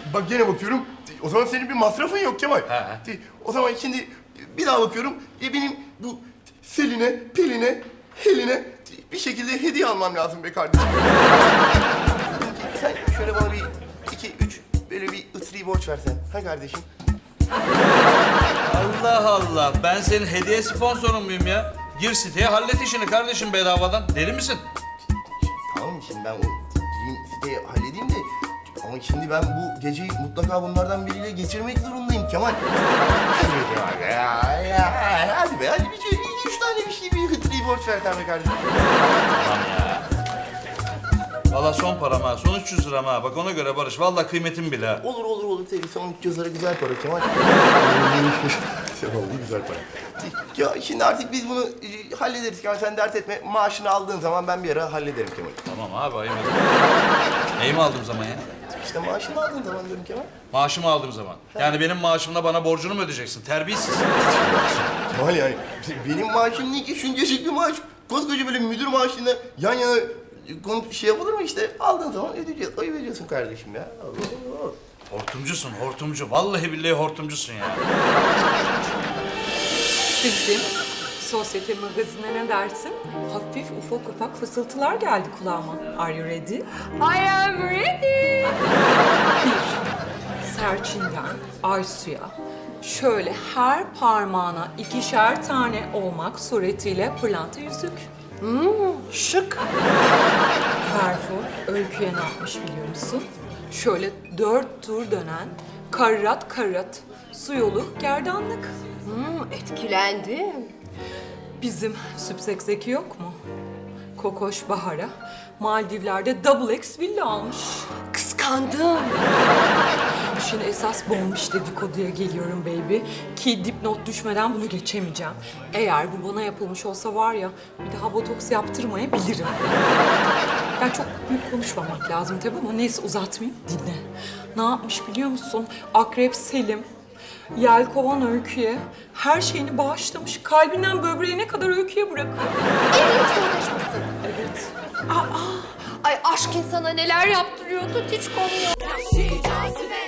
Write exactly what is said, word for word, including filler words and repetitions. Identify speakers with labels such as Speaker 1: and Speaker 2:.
Speaker 1: Bak gene bakıyorum. O zaman senin bir masrafın yok Kemal.
Speaker 2: Ha.
Speaker 1: O zaman şimdi bir daha bakıyorum. E benim bu Selin'e, Pelin'e, Helin'e bir şekilde hediye almam lazım be kardeşim. Sen şöyle bana bir iki, üç böyle bir ıtri borç versen. Ha kardeşim?
Speaker 2: Allah Allah. Ben senin hediye sponsorun muyum ya? Gir siteye hallet işini kardeşim bedavadan. Deli misin?
Speaker 1: Tamam şimdi ben o gireyim siteye halledeyim de ama şimdi ben bu geceyi mutlaka bunlardan biriyle geçirmek zorundayım Kemal. Hadi be Kemal ya, ya, hadi be hadi bir şey, iki üç tane bir şey bir hıtrıyı borç ver sen be kardeşim.
Speaker 2: Tamam ya. Valla son param ha. Son üç yüz liram ha. Bak ona göre Barış. Valla kıymetim bile ha.
Speaker 1: Olur olur olur tabii son üç yüz lira güzel para Kemal. Vallahi güzel para. Ya şimdi artık biz bunu e, hallederiz Kemal sen dert etme. Maaşını aldığın zaman ben bir ara hallederim Kemal.
Speaker 2: Tamam abi ayıp etme. Neyi mi aldığım zaman ya?
Speaker 1: İşte maaşını aldığın zaman diyorum Kemal.
Speaker 2: Maaşımı aldığım zaman. Yani benim maaşımla bana borcunu mu ödeyeceksin? Terbiyesiz.
Speaker 1: Kemal yani benim maaşım değil ki şuncacık bir maaş. Koskoca böyle müdür maaşıyla yan yana konup şey yapılır mı işte? Aldığın zaman ödeyeceğiz. Ayıp ediyorsun kardeşim ya. Allah Allah.
Speaker 2: Hortumcusun, hortumcu. Vallahi billahi hortumcusun ya.
Speaker 3: Bizim sosyete magazinine ne dersin? Hafif ufak ufak fısıltılar geldi kulağıma. Are you ready?
Speaker 4: I am ready.
Speaker 3: Serçin'den Aysu'ya şöyle her parmağına ikişer tane olmak suretiyle pırlanta yüzük. Hmm, şık. Berfu Öykü'ye ne yapmış biliyor musun? Şöyle dört tur dönen karrat karrat su yolu gerdanlık.
Speaker 4: Hmm, etkilendim.
Speaker 3: Bizim Süpsek Zeki yok mu? Kokoş Bahar'a Maldivler'de double X villa almış.
Speaker 4: Kıskandım.
Speaker 3: Şimdi esas bombiş dedikoduya geliyorum baby. Ki dipnot düşmeden bunu geçemeyeceğim. Eğer bu bana yapılmış olsa var ya bir daha botoks yaptırmayabilirim. Yani çok büyük konuşmamak lazım tabii ama neyse uzatmayayım dinle. Ne yapmış biliyor musun? Akrep Selim Yelkovan Öykü'ye her şeyini bağışlamış. Kalbinden böbreğine kadar Öykü'ye bırakıyor.
Speaker 4: Evlilik sözleşmesi.
Speaker 3: Evet.
Speaker 4: Ay aşk insana neler yaptırıyordu hiç konuyor.